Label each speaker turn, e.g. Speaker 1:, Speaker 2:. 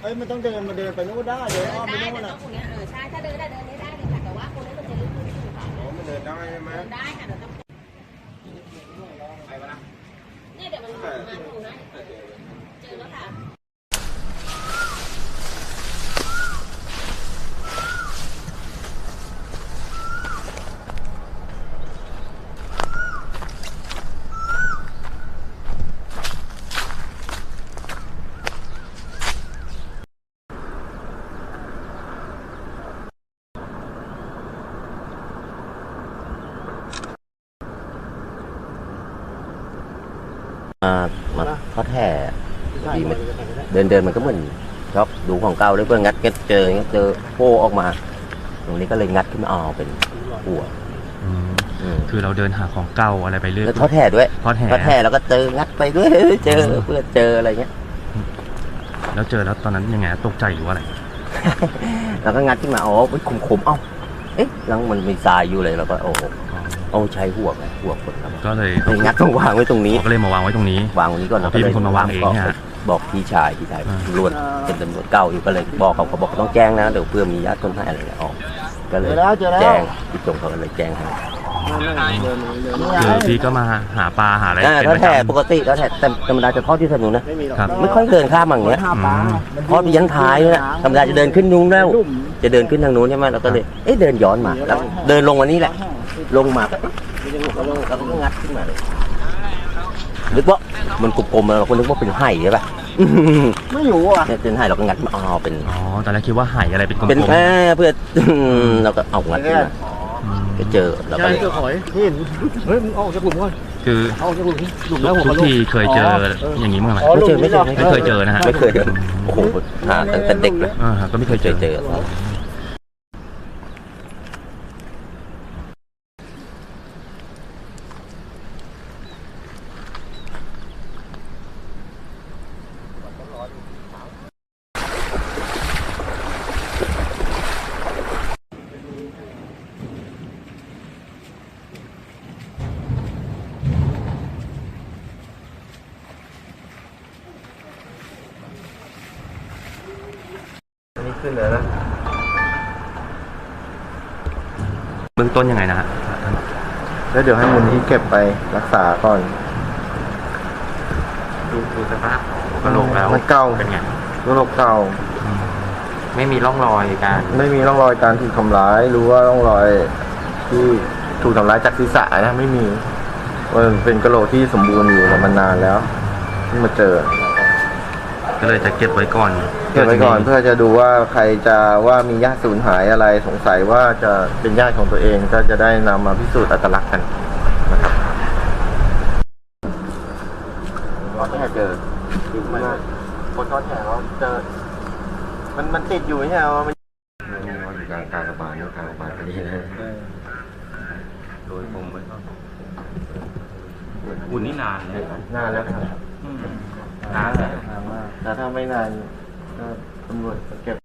Speaker 1: อ้ยมันต้องเดินมาเดินไปนู้นได้เดินอ้อมไปนู้น
Speaker 2: ได้
Speaker 1: น่ะ
Speaker 2: ตรงนี้ใช่ถ้าเดินได้เลยค่ะแต่ว่าคนนี้มันจะลึกขึ้นค่ะ
Speaker 1: มันเดินได้ใช่ไหม
Speaker 2: เดินได้ค่ะเดี๋ยวต้องเนี่ยเดี๋ยวมันมาถูนะเจอแล้วค่ะ
Speaker 3: มาทอดแห่ดีมันเดินมันก็เหมือนชอบดูของเก่าเลยเพื่องัดเจอโป้ออกมาตรงนี้ก็เลยงัดขึ้นมาเอาเป็นหัว
Speaker 4: คือเราเดินหาของเก่าอะไรไปเรื่อย
Speaker 3: แล้วทอดแห่ด้วย
Speaker 4: ทอดแห่
Speaker 3: แล้วก็เจองัดไปด้วยเจอเพื่อเจออะไรเงี้ย
Speaker 4: แล้วเจอแล้วตอนนั้นยังไงตกใจหรือว่าอะไร
Speaker 3: แล้วก็งัดขึ้นมาอ๋อขมเอ้าเอ๊ะแล้วมันมีทรายอยู่เลยแล้วก็โอ้โหเอาใช้หัวคนครับ
Speaker 4: ก็เลย
Speaker 3: งัดต้องวางไว้ตรงนี้
Speaker 4: ก็เลยมาวางไว้ตรงนี้
Speaker 3: วางตรงนี้ก่อนแล้วก็
Speaker 4: พี่เป็นคนมาวางเองเนี่ย
Speaker 3: บอกพี่ชายตำรวจเป็นตำรวจเก่าอยู่ก็เลยบอกเขาบอกต้องแจ้งนะเดี๋ยวเพื่อมีญาติคนไทยอะไรออกก็เลยแจ้งพี่จงเขาก็เลยแจ้งให้
Speaker 4: คือพี่ก็มาหาปลาหาอะไรเป็น
Speaker 3: ถ้า
Speaker 4: ประ
Speaker 3: แท้
Speaker 4: จำ
Speaker 3: ปกติแล้วแท้ธรรมดาจะทอดที่ถนนนะ
Speaker 4: ครับ
Speaker 3: ไม่ค่อยเดินข้ามอย่างเงี้ยทอดไปยันท้ายนะธรรมดาจะเดินขึ้นนู้นแล้วจะเดินขึ้นทางนู้นใช่ไหมเราก็เลยเดินย้อนมาแล้วเดินลงมานี่แหละลงมาแล้วก็งัดขึ้นมาเลยนึกว่ามันกลมๆเราคนนึกว่าเป็นไห่ใช่ป่ะ
Speaker 1: ไม่อยู่อ่ะ
Speaker 3: เนี่ยเป็นไห่เราก็งัดมาเป็น
Speaker 4: อ๋อตอนแรกคิดว่าไหอะไรเป็นกลม
Speaker 3: เป็นเพื่อเราก็เอางัดขึ้นมาไปเจอแล้วก็
Speaker 1: ใช่เจอหอยเห็นเฮ้ยมึงออกจากกลุ่มก่อน
Speaker 4: คือ
Speaker 1: ออกจากกลุ่มหลุมแล้วผม
Speaker 4: ทุกทีเคยเจออย่างนี้มั้งไหม
Speaker 3: ไม่เคยเจอนะฮะ
Speaker 4: ไม่
Speaker 3: ไม่
Speaker 4: เค
Speaker 3: เค
Speaker 4: ย
Speaker 3: ยโอ้โหหาตั้งแต่เด็กเลย
Speaker 4: ก็ไม่เคยเจอ
Speaker 3: เจอนี่ขึ้นเลยนะ
Speaker 4: เบื้องต้นยังไงนะฮะ
Speaker 1: แล้วเดี๋ยวให้มูลที่เก็บไปรักษาก่อน
Speaker 5: ดูสภาพกระโหลกแล้ว
Speaker 1: มันเก่า
Speaker 5: เป็นไง
Speaker 1: โรคเก่า
Speaker 5: ไม่มีร่องรอยการ
Speaker 1: ไม่มีร่องรอยการถูกทำร้ายหรือว่าร่องรอยที่ถูกทำร้ายจากศีรษะนะไม่มีมันเป็นกระโหลกที่สมบูรณ์อยู่มานานแล้วเพิ่งมาเจอ
Speaker 4: ก็เลยจะเก็บไว้ก่อน
Speaker 1: เก็บไว้ก่อนเพื่อจะดูว่าใครจะว่ามีญาติสูญหายอะไรสงสัยว่าจะเป็นญาติของตัวเองก็จะได้นำมาพิสูจน์อัตลักษณ์กันนะครับเราก็เจอคนทอดแถวเจอมันติดอยู่ไม่ใช่เหรอมันอยู่กลางกระบาลกลางกระบาลพอดีนะโดยผมไว้
Speaker 5: อุ่นนี่นานเลย
Speaker 1: นานแล้วครับ
Speaker 5: นานเลย
Speaker 1: นานมากแต่ถ้าไม่นานก็ตำรวจเก็บ